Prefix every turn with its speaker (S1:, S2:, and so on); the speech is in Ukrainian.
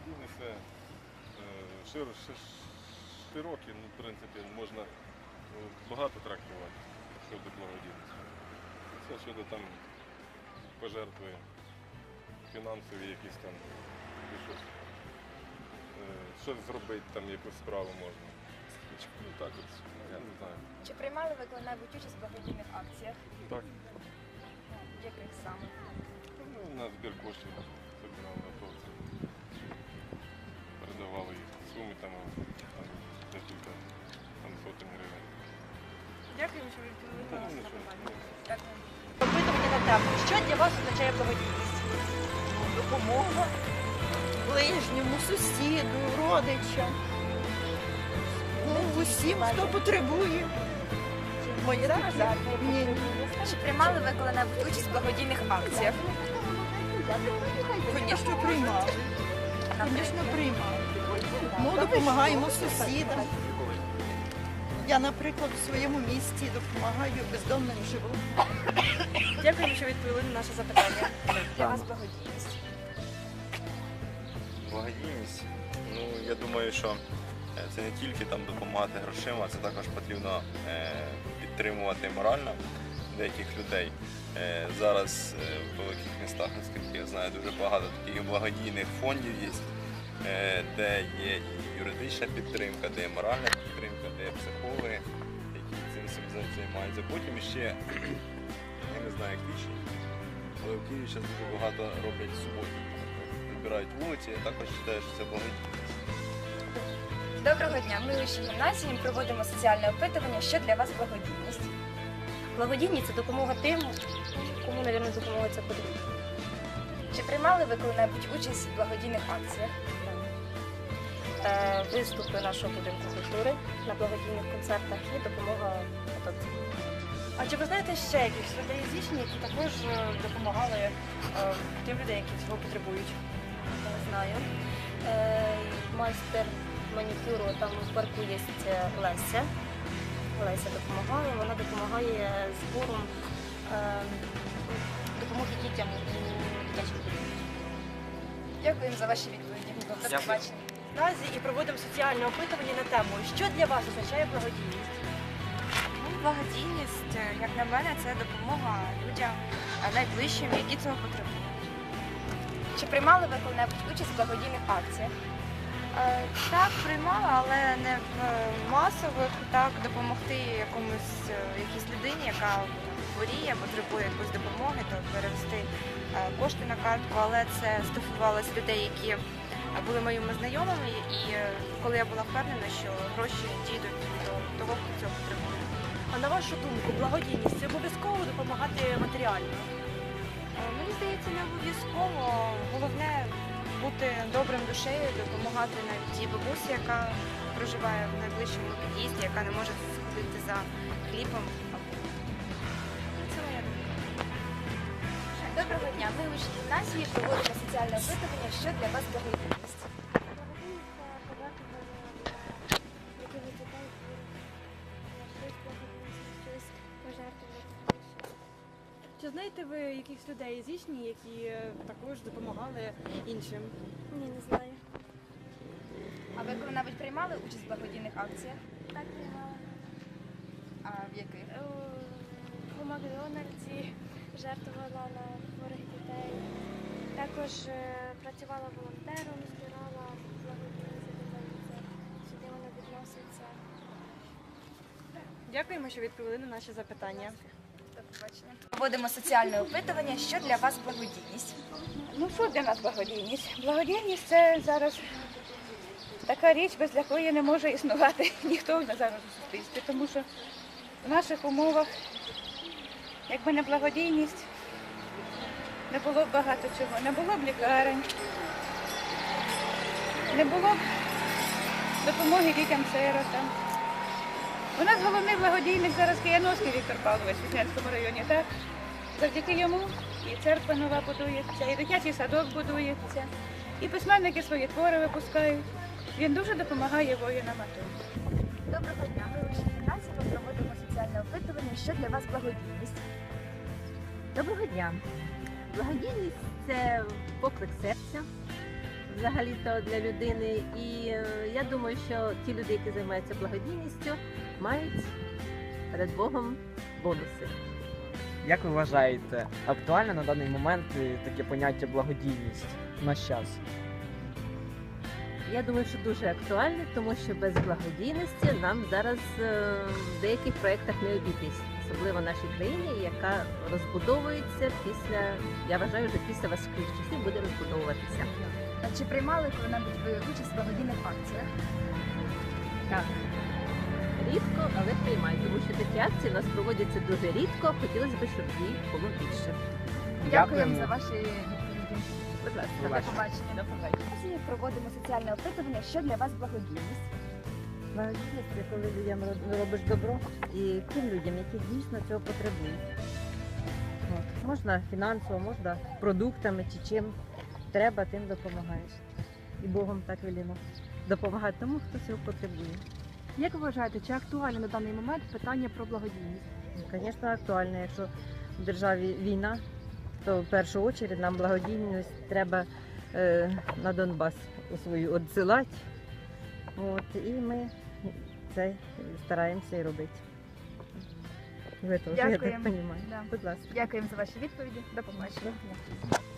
S1: Благодійність це широкі, ну, в принципі, можна багато трактувати щодо благодійності. Це щодо там пожертви фінансові якісь там, і щось зробити, там якусь справу можна. Ну так от, я не знаю.
S2: Чи приймали ви коли-небудь участь в благодійних акціях?
S1: Так.
S2: Яких саме?
S1: Ну, на збір коштів собирали на то. Передавали їх суми там декілька сотень гривень.
S3: Дякую, що ви відповіли на наше запитання.
S2: Дякую.
S3: Опитування на тему. Що для вас означає благодійність?
S4: Допомога ближньому, сусіду, родичам. Ну, усім, хто потребує. Моє таке. Ні.
S2: Чи приймали ви коли-небудь участь в благодійних акціях?
S4: Звісно, приймали. Звісно, приймали. Ну, допомагаємо сусідам. Я, наприклад, у своєму місті допомагаю бездомним живу.
S3: Дякую, що відповіли на наше запитання.
S2: Для вас благодійність?
S5: Благодійність, ну я думаю, що це не тільки там допомагати грошима, це також потрібно підтримувати морально деяких людей. Зараз в великих містах, наскільки я знаю, дуже багато таких благодійних фондів є, де є і юридична підтримка, де є моральна підтримка, де є психологи, які цим всім займаються. Потім ще, я не знаю, як більше, але в Києві зараз дуже багато роблять суботників. Вибирають вулиці, я також вважаю, що це благодійність.
S2: Доброго дня. Ми у вищій гімназії проводимо соціальне опитування, що для вас благодійність.
S6: Благодійність – це допомога тим, кому, мабуть, допомога це потрібна.
S2: Чи приймали ви коли-небудь участь в благодійних акціях?
S6: Виступи нашого будинку культури на благодійних концертах і допомога атовцям.
S3: А чи ви знаєте ще якихось людей з Ічні, які також допомагали тим людям, які цього потребують?
S6: Знаю. Майстер манікюру, там в парку є Леся. Леся допомагає, вона допомагає збором допомоги дітям і дитячим будинкам.
S2: Дякуємо за ваші відповіді. До побачення.
S3: Наразі і проводимо соціальне опитування на тему, що для вас означає благодійність?
S7: Благодійність, як на мене, це допомога людям найближчим, які цього потребують.
S2: Чи приймали ви коли-небудь участь в благодійних акціях?
S7: Так, приймала, але не в масових, так, допомогти якійсь людині, яка хворіє, потребує якоїсь допомоги, то перевести кошти на картку, але це стосувалося людей, які були моїми знайомими, і коли я була впевнена, що гроші дійдуть до того, хто цього потребує.
S3: А на вашу думку, благодійність – це обов'язково допомагати матеріально?
S7: Мені здається, не обов'язково. Головне бути добрим душею, допомагати навіть тій бабусі, яка проживає в найближчому під'їзді, яка не може сходити за хлібом. Це моя думка.
S2: Доброго дня. Ми у вищій гімназії проводимо соціальне опитування, що для вас благодійність.
S3: Чи знаєте ви якихось людей з Ічні, які також допомагали іншим?
S6: Ні, не знаю.
S2: А ви коли-небудь приймали участь в благодійних акціях?
S6: Так, приймала.
S2: А в яких?
S6: У Макдональдсі жертвувала на хворих дітей. Також працювала волонтером, збирала благодійність, сюди воно відноситься.
S3: Дякуємо, що відповіли на наші запитання.
S2: До побачення. Проводимо соціальне опитування, що для вас благодійність.
S8: Ну що для нас благодійність? Благодійність це зараз така річ, без якої не може існувати ніхто зараз у суспільстві. Тому що в наших умовах, якби не благодійність, не було б багато чого. Не було б лікарень, не було б допомоги дітям-сиротам. У нас головний благодійник зараз Кияновський Віктор Павлович в Віснянському районі, так? Завдяки йому і церква нова будується, і дитячий садок будується, і письменники свої твори випускають. Він дуже допомагає воїнам АТО.
S2: Доброго дня. Ми у вищій гімназії проводимо соціальне опитування, що для вас благодійність.
S9: Доброго дня. Благодійність – це поклик серця, взагалі-то для людини. І я думаю, що ті люди, які займаються благодійністю, мають перед Богом бонуси.
S10: Як ви вважаєте, актуальне на даний момент таке поняття благодійність в наш час?
S9: Я думаю, що дуже актуальне, тому що без благодійності нам зараз в деяких проєктах не обійтись, особливо в нашій країні, яка розбудовується після, я вважаю, вже після важких часів буде розбудовуватися.
S2: А чи приймали коли-небудь ви участь в благодійних акціях?
S9: Так. Рідко, але приймаю, тому що такі акції у нас проводяться дуже рідко, хотілося б, щоб їх було більше.
S2: Дякуємо за ваші відповіді.
S9: Будь ласка,
S2: До побачення.
S9: До побачення.
S2: Сьогодні проводимо соціальне опитування, що для вас благодійність.
S11: Благодійність – це коли людям робиш добро і тим людям, які дійсно цього потребують. От. Можна фінансово, можна продуктами чи чим треба, тим допомагаєш. І Богом так велімо допомагати тому, хто цього потребує.
S3: Як ви вважаєте, чи актуальне на даний момент питання про благодійність?
S11: Звісно, актуально. Якщо в державі війна, то в першу чергу нам благодійність треба на Донбас у свою відсилати. От, і ми це стараємося і робити. Ви теж, я так
S2: Дякуємо.
S11: розумію.
S2: Да.
S11: Будь ласка.
S2: Дякуємо за ваші відповіді. До побачення.